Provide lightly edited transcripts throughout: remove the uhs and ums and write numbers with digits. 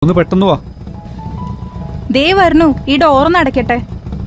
ഒന്ന് പെട്ടെന്ന് വാ. ദേ വരണു, ഈ ഡോറൊന്ന് അടയ്ക്കട്ടെ.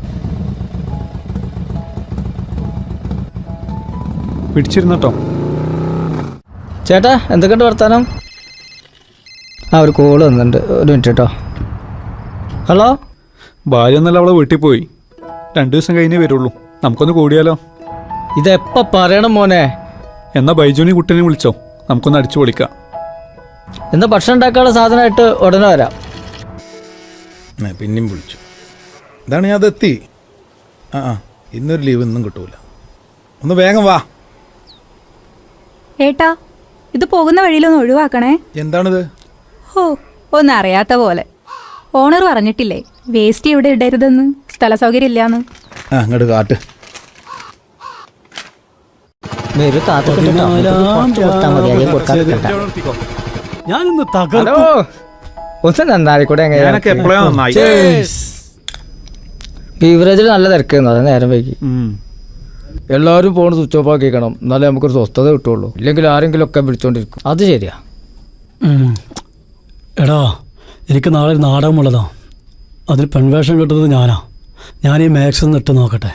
പിടിച്ചിരുന്നട്ടോ. ചേട്ടാ എന്തൊക്കെയുണ്ട് വർത്താനം? ഒരു കോള് വന്നിട്ടുണ്ട്, ഒരു മിനിറ്റ് കേട്ടോ. ഹലോ. ഭാര്യ എന്നല്ല അവളെ വീട്ടിൽ പോയി. 2 ദിവസം കഴിഞ്ഞേ വരുള്ളൂ. നമുക്കൊന്ന് കൂടിയാലോ? ഇതെപ്പോൾ പറയണം മോനെ? എന്നാ ബൈജുനി കുട്ടനെ വിളിച്ചോ, നമുക്കൊന്ന് അടിച്ചു പൊളിക്കാം. എന്താ ഭക്ഷണം ഉണ്ടാക്കാനുള്ള സാധനമായിട്ട് ഉടനെ വരാം. പിന്നെയും വിളിച്ചു. ഇതാണ് ഞാൻ അതെത്തി. ഇന്നൊരു ലീവ് ഇന്നും കിട്ടൂല. ഒന്ന് വേഗം വാ. ഏട്ടാ, ഇത് പോകുന്ന വഴിയിലൊന്ന് ഒഴിവാക്കണേ. എന്താണിത്? ഹോ, ഒന്നും അറിയാത്ത പോലെ. ഓണർ പറഞ്ഞിട്ടില്ലേ വേസ്റ്റ് ഇവിടെ ഇടരുതെന്ന്, സ്ഥല സൗകര്യം ഇല്ലാന്ന്. അങ്ങോട്ട് കാട്ട്. ബീവറേജിൽ നല്ല തിരക്കുന്നു, അത് നേരം വൈകി. എല്ലാവരും ഫോൺ സ്വിച്ച് ഓഫ് ആക്കിക്കണം, എന്നാലേ നമുക്കൊരു സ്വസ്ഥത കിട്ടുള്ളൂ. ഇല്ലെങ്കിൽ ആരെങ്കിലും ഒക്കെ വിളിച്ചോണ്ടിരിക്കും. അത് ശരിയാ. എടാ, എനിക്ക് നാളെ നാടകമുള്ളതാ. അതിൽ പെൺവേഷം കിട്ടുന്നത് ഞാനാ. ഞാൻ ഈ മാക്സ് ഒന്ന് ഇട്ട് നോക്കട്ടെ.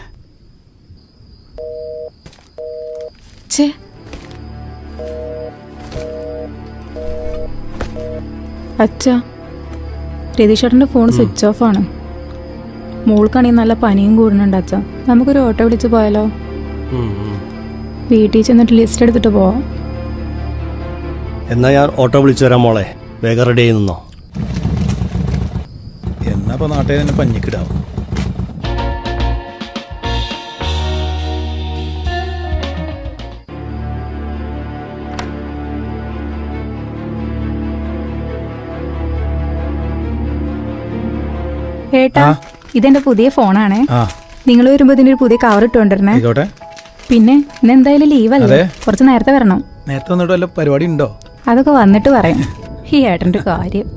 അച്ഛാ, രതീഷേട്ടൻ്റെ ഫോൺ സ്വിച്ച് ഓഫ് ആണ്. മോൾക്കാണെങ്കിൽ നല്ല പനിയും കൂടുന്നുണ്ട് അച്ഛാ. നമുക്കൊരു ഓട്ടോ വിളിച്ച് പോയാലോ? വീട്ടിൽ ചെന്നിട്ട് ലിസ്റ്റ് എടുത്തിട്ട് പോവാം. എന്നാ ഞാൻ ഓട്ടോ വിളിച്ചു തരാം മോളെ, വേഗം റെഡി ആയി നിന്നോ. എന്നാ ഇപ്പൊ നാട്ടിൽ തന്നെ പഞ്ഞിക്കിടാവും. ഏട്ടാ, ഇതെന്റെ പുതിയ ഫോണാണേ. നിങ്ങൾ വരുമ്പോ ഇതിന്റെ ഒരു പുതിയ കവർ ഇട്ടുകൊണ്ടിരുന്നേ. പിന്നെ ഇന്ന് എന്തായാലും ലീവല്ലേ, കുറച്ച് നേരത്തെ വരണം. നേരത്തെ വന്നിട്ട് വല്ല പരിപാടി ഉണ്ടോ? അതൊക്കെ വന്നിട്ട് പറയാം. ഈ ഏട്ടൻ്റെ കാര്യം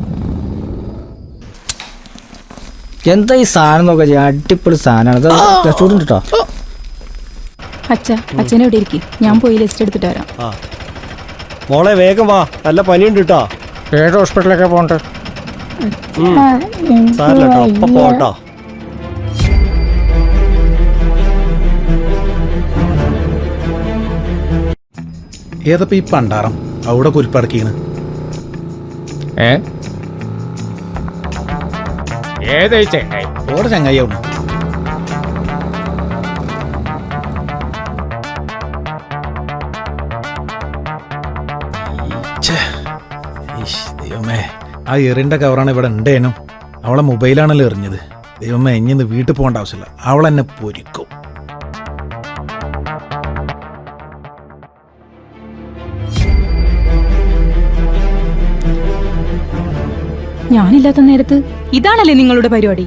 എന്താ ഈ സാധനം നോക്കാ, അടിപൊളി സാധനമാണ്. കേട്ടോ അച്ഛനെ ഇവിടെ ഇരിക്കും, ഞാൻ പോയി ലിസ്റ്റ് എടുത്തിട്ട് വരാം. മോളെ വേഗം വാ, നല്ല പനിയുണ്ട് കേട്ടോ. ഏത് ഹോസ്പിറ്റലൊക്കെ പോകണ്ടേ? സാറില്ല കേട്ടോ, അപ്പൊ പോട്ടോ. ഏതപ്പോ ഈ പണ്ടാറം അവിടെ കുരിപ്പടക്കീണ്? ഓടെ ചങ്ങായിയാവണം. ദൈവമേ, ആ എറിന്റെ കവറാണ് ഇവിടെ ഉണ്ടേനും. അവളെ മൊബൈലാണല്ലോ എറിഞ്ഞത്. ദൈവമേ, ഇനി വീട്ടിൽ പോകേണ്ട ആവശ്യമില്ല, അവളെന്നെ പൊരിക്കും. ഞാനില്ലാത്ത നേരത്ത് ഇതാണല്ലേ നിങ്ങളുടെ പരിപാടി?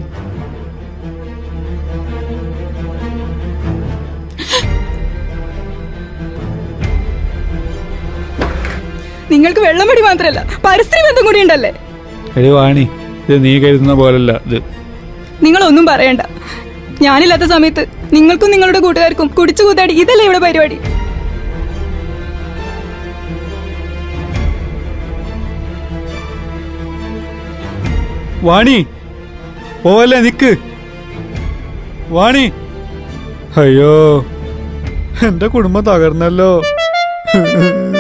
നിങ്ങൾക്ക് വെള്ളമടി മാത്രല്ല, പരിസ്ഥിതി ബന്ധം കൂടി ഉണ്ടല്ലേ? വാണി, ഇത് നീ കരുതുന്ന പോലല്ല ഇത്. നിങ്ങളൊന്നും പറയണ്ട. ഞാനില്ലാത്ത സമയത്ത് നിങ്ങൾക്കും നിങ്ങളുടെ കൂട്ടുകാർക്കും കുടിച്ചു കൂത്താടി, ഇതല്ലേ ഇവിടെ പരിപാടി? വാണി പോവല്ലേ, നിക്ക് വാണി. അയ്യോ, എന്റെ കുടുംബം തകർന്നല്ലോ.